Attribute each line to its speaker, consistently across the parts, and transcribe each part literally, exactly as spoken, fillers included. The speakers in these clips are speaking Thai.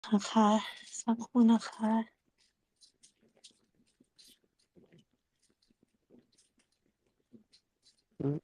Speaker 1: นะคะ สักครู่นะคะ
Speaker 2: อืม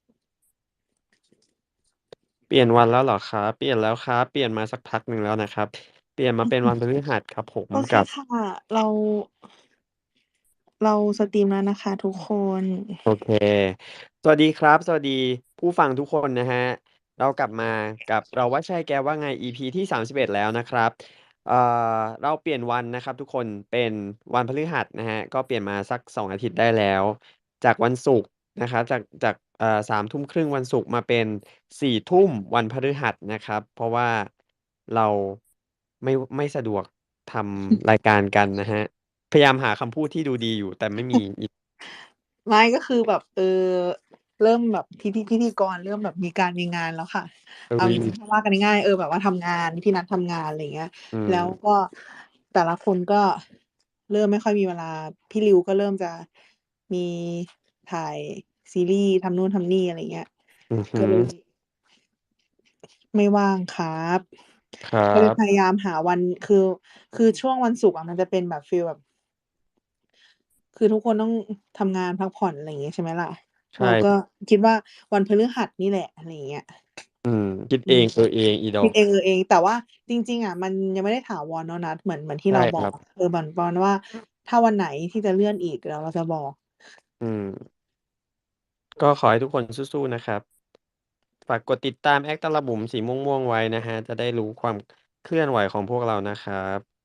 Speaker 2: เปลี่ยนวันแล้วเหรอครับ? เปลี่ยนแล้วครับ เปลี่ยนมาสักพักหนึ่งแล้วนะครับ เปลี่ยนมาเป็นวันพฤหัสครับผม
Speaker 1: โอเค
Speaker 2: กับ
Speaker 1: ค่ะ เรา เราสตรีมแล้วนะคะทุกคน
Speaker 2: โอเค สวัสดีครับ สวัสดีผู้ฟังทุกคนนะครับ เรากลับมากับเราว่าใช่แกว่าไง อี พี ที่ สามสิบเอ็ด แล้วนะครับ เอ่อ เราเปลี่ยนวันนะครับทุกคน เป็นวันพฤหัสนะครับ ก็เปลี่ยนมาสัก สอง อาทิตย์ได้แล้ว จากวันศุกร์นะครับ จาก จาก เอ่อ สามทุ่มครึ่ง วันศุกร์มาเป็น สี่ทุ่ม วันพฤหัสนะครับ เพราะว่าเราไม่ ไม่สะดวกทำรายการกันนะครับ พยายามหาคำพูดที่ดูดีอยู่ แต่ไม่มี อี
Speaker 1: ไม่ ก็คือแบบ เออ เริ่มแบบพิธี พิธีกรเริ่มแบบมีการมีงานแล้วค่ะ
Speaker 2: เอ
Speaker 1: เอาจริง
Speaker 2: อ
Speaker 1: ๆ ถ้าว่ากันง่าย ๆ เออ แบบว่าทำงาน พี่นัดทำงาน อะไรอย่างเงี้ย
Speaker 2: อื
Speaker 1: แล้ว
Speaker 2: ม
Speaker 1: ก็แต่ละคนก็เริ่มไม่ค่อยมีเวลา พี่ริวก็เริ่มจะมีถ่ายซีรีส์ ทำนู่นทำนี่ อะไรอย่างเงี้ย
Speaker 2: อือฮึ
Speaker 1: ก็เลย ไม่ว่างครับ
Speaker 2: ครั
Speaker 1: ก็เลย
Speaker 2: บ
Speaker 1: พยายามหาวัน คือ คือช่วงวันศุกร์อะมันจะเป็นแบบฟีลแบบ คือทุกคนต้องทำงานพักผ่อน อะไรอย่างงี้ ใช่ไหมล่ะ
Speaker 2: ใช
Speaker 1: เรา
Speaker 2: ่
Speaker 1: ก็คิดว่าวันพฤหัสนี่แหละ อะไรอย่างเงี้ย
Speaker 2: อืม คิด
Speaker 1: อ
Speaker 2: เ
Speaker 1: ืม
Speaker 2: อง เออเอง อีด
Speaker 1: ค
Speaker 2: อิ
Speaker 1: ด
Speaker 2: ก
Speaker 1: เอง เออเอง แต่ว่าจริง ๆ อะมันยังไม่ได้ถาวรเนาะนัด เหมือน เหมือนที่
Speaker 2: ใช่คร
Speaker 1: เราบอัก
Speaker 2: บ
Speaker 1: เออ เหมือนประมาณว่า ถ้าวันไหนที่จะเลื่อนอีก เดี๋ยวเราจะบอก
Speaker 2: อืม ก็ขอให้ทุกคนสู้ ๆ นะครับ ฝากกดติดตาม แอค ตะละบุ๋ม สีม่วง ๆ ไว้นะครับ จะได้รู้ความเคลื่อนไหวของพวกเรานะครับ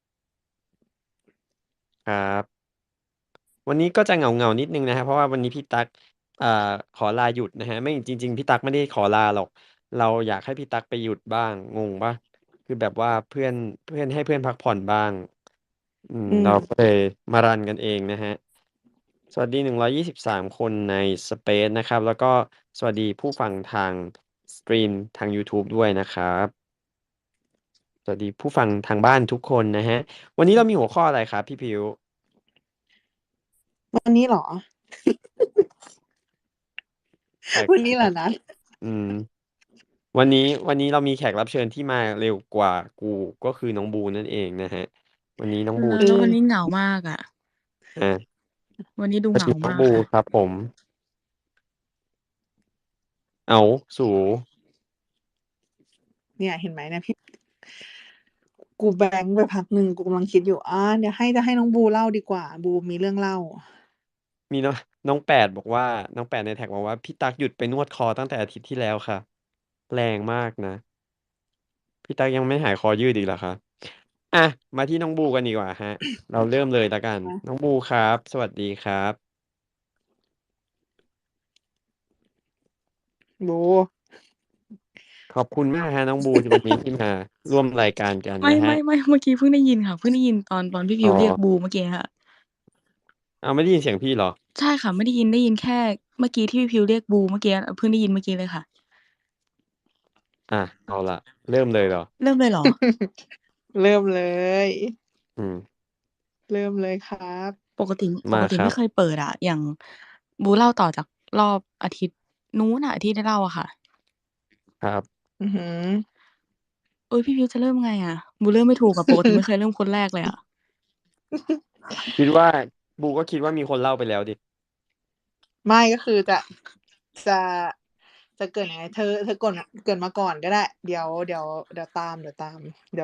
Speaker 2: ครับ วันนี้ก็จะเหงา ๆ นิดหนึ่งนะครับ เพราะว่าวันนี้พี่ตั๊ก อ่า ขอลาหยุดนะครับ ไม่ จริง ๆ พี่ตั๊กไม่ได้ขอลาหรอก เราอยากให้พี่ตั๊กไปหยุดบ้าง งงเปล่า? คือแบบว่าเพื่อน เพื่อน ให้เพื่อนพักผ่อนบ้าง อืม
Speaker 1: อื
Speaker 2: เรา
Speaker 1: ม
Speaker 2: ก็เลยมารันกันเองนะครับ สวัสดี หนึ่งร้อยยี่สิบสาม คนในสเปซนะครับ แล้วก็สวัสดีผู้ฟังทางสตรีมทางยูทูบด้วยนะครับ สวัสดีผู้ฟังทางบ้านทุกคนนะครับ วันนี้เรามีหัวข้ออะไรครับพี่พริ้ว?
Speaker 1: วันนี้เหรอ?
Speaker 2: แปล
Speaker 1: วันนี้เหรอ
Speaker 2: ก
Speaker 1: นัด?
Speaker 2: ๆ อืม วันนี้ วันนี้เรามีแขกรับเชิญที่มาเร็วกว่ากู ก็คือน้องบูนั่นเองนะครับ วันนี้น้องบู
Speaker 3: เออ
Speaker 1: เ
Speaker 3: แล้ววัน
Speaker 1: ออ
Speaker 3: นี้เหงามากอะ
Speaker 2: อา
Speaker 3: วันนี้ดู
Speaker 2: สว
Speaker 3: เ
Speaker 2: ั
Speaker 3: หง
Speaker 2: ส
Speaker 3: า
Speaker 2: ดีน้
Speaker 3: ม
Speaker 2: อง
Speaker 3: า
Speaker 2: บ
Speaker 3: กูค่ะ
Speaker 2: ครับผม อ้าว สู
Speaker 1: เนี่ยเห็นไหมเนี่ยพี่ กูแบลังก์ไปพักหนึ่ง กูกำลังคิดอยู่ อา เดี๋ยวให้ จะให้น้องบูเล่าดีกว่า บูมีเรื่องเล่า
Speaker 2: มีน้อง น้องแปดบอกว่า น้องแปดในแท็กบอกว่า "พี่ตั๊กหยุดไปนวดคอตั้งแต่อาทิตย์ที่แล้วค่ะ" แรงมากนะ พี่ตั๊กยังไม่หายคอยืดอีกเหรอคะ? อะ มาที่น้องบูกันดีกว่าครับ เราเริ่มเลยแล้วกัน
Speaker 1: คะ
Speaker 2: น้องบูครับ สวัสดีครับ
Speaker 1: บู
Speaker 2: ขอบคุณมากครับน้องบู ที่วันนี้ที่มาร่วมรายการกัน
Speaker 3: ไม่
Speaker 2: นะค
Speaker 3: ไ
Speaker 2: ร
Speaker 3: มั่
Speaker 2: บ
Speaker 3: ไม่ เมื่อกี้เพิ่งได้ยินค่ะ เพิ่งได้ยินตอน ตอนพี่พ
Speaker 2: อ๋
Speaker 3: ริ้วเรียก
Speaker 2: อ
Speaker 3: บูเมื่อกี้ค่ะ
Speaker 2: อ้าว ไม่ได้ยินเสียงพี่เหรอ?
Speaker 3: ใช่ค่ะ ไม่ได้ยิน ได้ยินแค่เมื่อกี้ที่พี่พริ้วเรียกบูเมื่อกี้ เพิ่งได้ยินเมื่อกี้เลยค่ะ
Speaker 2: อะ เอาล่ะ เริ่มเลยเหรอ?
Speaker 3: เริ่มเลยเหรอ?
Speaker 1: เริ่มเลย
Speaker 2: อืม
Speaker 1: เริ่มเลยครับ
Speaker 3: ปกติ ป
Speaker 2: มา
Speaker 3: กติไม
Speaker 2: ครับ
Speaker 3: ่เคยเปิดอะ อย่างบูเล่าต่อจากรอบอาทิตย์นู้นน่ะ ที่ได้เล่าอะค่ะ
Speaker 2: ครับ
Speaker 1: อือฮึ
Speaker 3: เอ๊ย พี่พริ้วจะเริ่มไงอะ? บูเริ่มไม่ถูกอะ ปกติไม่เคยเริ่มคนแรกเลยอะ
Speaker 2: คิดว่า บูก็คิดว่ามีคนเล่าไปแล้วสิ
Speaker 1: ไม่ ก็คือจะ จะ จะเกริ่นยังไง เธอ เธอก่น เกริ่นมาก่อนก็ได้ เดี๋ยว เดี๋ยว เดี๋ยวตาม เดี๋ยวตาม เดี๋ยว